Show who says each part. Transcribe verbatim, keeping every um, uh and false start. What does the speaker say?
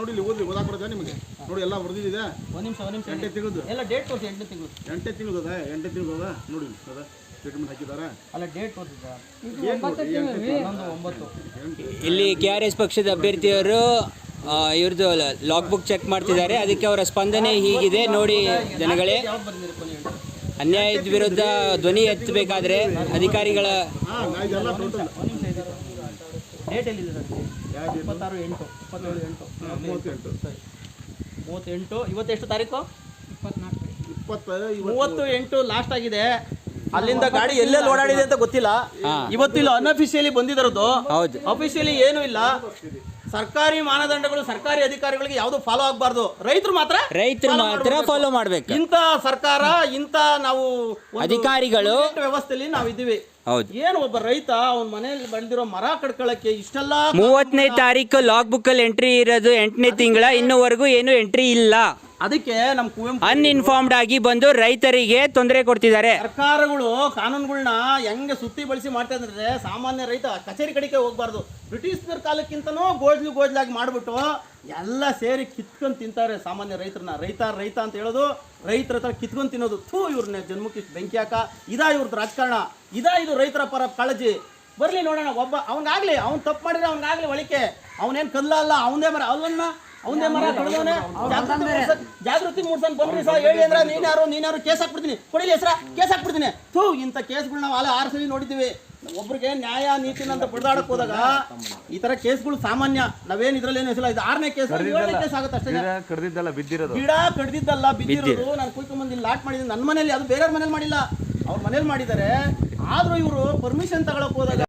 Speaker 1: ನೋಡಿ ಇಲ್ಲಿ ಓದಿ ಓದಾಕ್ ಬರ್ತದೆ ನಿಮಗೆ ನೋಡಿ ಎಲ್ಲ ಬರ್ದಿದೆ
Speaker 2: ಒಂದು ನಿಮಿಷ ಒಂದು ನಿಮಿಷ
Speaker 1: ಎಂಟೇ ತಿಂಗಳು
Speaker 2: ಎಲ್ಲ ಡೇಟ್ ತೋರಿಸಿ ಎಂಟನೇ ತಿಂಗಳು
Speaker 1: ಎಂಟೇ ತಿಂಗಳು ಅದ ಎಂಟೇ ತಿಂಗಳು ಅದ ನೋಡಿ ಅದ ಸ್ಟೇಟ್ಮೆಂಟ್ ಹಾಕಿದ್ದಾರೆ
Speaker 2: ಅಲ್ಲ ಡೇಟ್ ತೋರಿಸಿದ್ದ ಒಂಬತ್ತು
Speaker 3: ಇಲ್ಲಿ ಕೆ ಆರ್ ಎಸ್ ಪಕ್ಷದ ಅಭ್ಯರ್ಥಿಯವರು ಇವ್ರದ್ದು ಲಾಗ್ ಬುಕ್ ಚೆಕ್ ಮಾಡ್ತಿದ್ದಾರೆ. ಅದಕ್ಕೆ ಅವರ ಸ್ಪಂದನೆ ಹೀಗಿದೆ ನೋಡಿ ಜನಗಳೇ.
Speaker 2: ಯಾವ್ದು ಬಂದಿರಿ ಕೊನೆ
Speaker 3: ಅನ್ಯಾಯದ ವಿರುದ್ಧ ಧ್ವನಿ ಎತ್ತಬೇಕಾದ್ರೆ ಅಧಿಕಾರಿಗಳ
Speaker 2: ಡೇಟ್ ಎಲ್ಲಿದೆ ಸರ್? ಇಪ್ಪತ್ತಾರು ಎಂಟು ಇಪ್ಪತ್ತೇಳು ಎಂಟು
Speaker 1: ಮೂವತ್ತೆಂಟು
Speaker 2: ಮೂವತ್ತೆಂಟು ಇವತ್ತು ಎಷ್ಟು ತಾರೀಕು?
Speaker 1: ಇಪ್ಪತ್ನಾಲ್ಕು
Speaker 2: ಮೂವತ್ತು ಎಂಟು ಲಾಸ್ಟ್ ಆಗಿದೆ. ಅಲ್ಲಿಂದ ಗಾಡಿ ಎಲ್ಲೆಲ್ಲಿ ಓಡಾಡಿದೆ ಅಂತ ಗೊತ್ತಿಲ್ಲ. ಇವತ್ತು ಇಲ್ಲಿ ಅನ್ಅಫಿಷಿಯಲಿ ಬಂದಿರೋದು,
Speaker 3: ಹೌದು.
Speaker 2: ಅಫಿಷಿಯಲಿ ಏನು ಇಲ್ಲ. ಸರ್ಕಾರಿ ಮಾನದಂಡಗಳು ಸರ್ಕಾರಿ ಅಧಿಕಾರಿಗಳಿಗೆ ಯಾವುದು ಫಾಲೋ ಆಗಬಾರ್ದು, ರೈತರು ಮಾತ್ರ
Speaker 3: ರೈತರು ಮಾತ್ರ ಫಾಲೋ ಮಾಡ್ಬೇಕು.
Speaker 2: ಇಂಥ ಸರ್ಕಾರ ಇಂಥ ನಾವು
Speaker 3: ಅಧಿಕಾರಿಗಳು
Speaker 2: ವ್ಯವಸ್ಥೆಯಲ್ಲಿ ನಾವು ಇದ್ದೀವಿ.
Speaker 3: ಹೌದು.
Speaker 2: ಏನು ಒಬ್ಬ ರೈತ ಅವನ ಮನೆಯಲ್ಲಿ ಬೆಳೆದಿರೋ ಮರ ಕಡ್ಕೊಳ್ಳಕ್ಕೆ ಇಷ್ಟೆಲ್ಲ
Speaker 3: ಮೂವತ್ತನೇ ತಾರೀಕು ಲಾಗ್ ಬುಕ್ ಅಲ್ಲಿ ಎಂಟ್ರಿ ಇರೋದು ಎಂಟನೇ ತಿಂಗಳ, ಇನ್ನೂವರೆಗೂ ಏನು ಎಂಟ್ರಿ ಇಲ್ಲ.
Speaker 2: ಅದಕ್ಕೆ ನಮ್ಮ ಕುವೆಂಪು
Speaker 3: ಅನ್ಇನ್ಫಾರ್ಮ್ಡ್ ಆಗಿ ಬಂದು ರೈತರಿಗೆ ತೊಂದರೆ ಕೊಡ್ತಿದ್ದಾರೆ.
Speaker 2: ಸರ್ಕಾರಗಳು ಕಾನೂನುಗಳನ್ನ ಹೆಂಗೆ ಸುತ್ತಿ ಬಳಸಿ ಮಾಡ್ತಾ ಇದ್ರೆ ಸಾಮಾನ್ಯ ರೈತ ಕಚೇರಿ ಕಡೆಗೆ ಹೋಗ್ಬಾರ್ದು. ಬ್ರಿಟಿಷರ ಕಾಲಕ್ಕಿಂತನೂ ಗೋಜ್ಲು ಗೋಜ್ಲಾಗಿ ಮಾಡ್ಬಿಟ್ಟು ಎಲ್ಲ ಸೇರಿ ಕಿತ್ಕೊಂಡು ತಿಂತಾರೆ ಸಾಮಾನ್ಯ ರೈತರನ್ನ. ರೈತ ರೈತ ಅಂತ ಹೇಳೋದು ರೈತರ ಹತ್ರ ಕಿತ್ಕೊಂಡು ತಿನ್ನೋದು. ಥೂ ಇವ್ರನ್ನ ಜನ್ಮಕ್ಕೆ ಬೆಂಕಿ ಹಾಕ. ಇದಾ ಇವ್ರದ್ದು ರಾಜಕಾರಣ, ಇದಾ ಇದು ರೈತರ ಪರ ಕಾಳಜಿ. ಬರ್ಲಿ ನೋಡೋಣ, ಒಬ್ಬ ಅವನಿಗಾಗ್ಲಿ ಅವ್ನು ತಪ್ಪು ಮಾಡಿದ್ರೆ ಅವನಿಗಾಗ್ಲಿ ಒಳಿಕೆ. ಅವನೇನು ಕಲ್ಲ ಅಲ್ಲ, ಅವನೇ ಮರ ಅವನ್ನ ಅವನೇ ಮರ ಕಳೆದವನೇ. ಜಾಗೃತಿ ಮೂಡ್ಸನ್ ಬಂದ್ರಿ ಸರ್ ಹೇಳಿ ಅಂದ್ರೆ ನೀನ್ಯಾರು ನೀನ್ಯಾರು ಕೇಸ್ ಹಾಕ್ಬಿಡ್ತೀನಿ, ಕೊಡಿಲಿ ಹೆಸರ ಕೇಸ್ ಹಾಕ್ಬಿಡ್ತೀನಿ. ಥೂ ಇಂಥ ಕೇಸ್ಗಳು ನಾವು ಅಲ್ಲ ಆರು ಸಲ ನೋಡಿದ್ದೀವಿ. ಒಬ್ರಿಗೆ ನ್ಯಾಯ ನೀತಿನ ಅಂತ ಬಡ್ದಾಡಕ್ ಹೋದಾಗ ಈ ತರ ಕೇಸ್ಗಳು ಸಾಮಾನ್ಯ. ನಾವೇನ್ ಇದ್ರಲ್ಲಿ ಏನು ಹೆಸರು ಇದು ಆರನೇ ಕೇಸ್ ಏಳನೇ ಕೇಸ್ ಆಗುತ್ತೆ ಅಷ್ಟೇ.
Speaker 4: ಕಡ್ದಿದ್ದಲ್ಲ ಬಿದ್ದಿರೋದು,
Speaker 2: ಗಿಡ ಕಡ್ದಿದ್ದಲ್ಲ ಬಿದ್ದಿರೋದು. ನಾನು ಕುಯ್ಕೊಂಡ್ಬಂದು ಲಾಟ್ ಮಾಡಿದ್ದೀನಿ ನನ್ನ ಮನೇಲಿ, ಅದು ಬೇರೆಯವ್ರ ಮನೇಲಿ ಮಾಡಿಲ್ಲ, ಅವ್ರ ಮನೇಲಿ ಮಾಡಿದ್ದಾರೆ. ಆದ್ರೂ ಇವರು ಪರ್ಮಿಷನ್ ತಗೊಳಕ್ ಹೋದಾಗ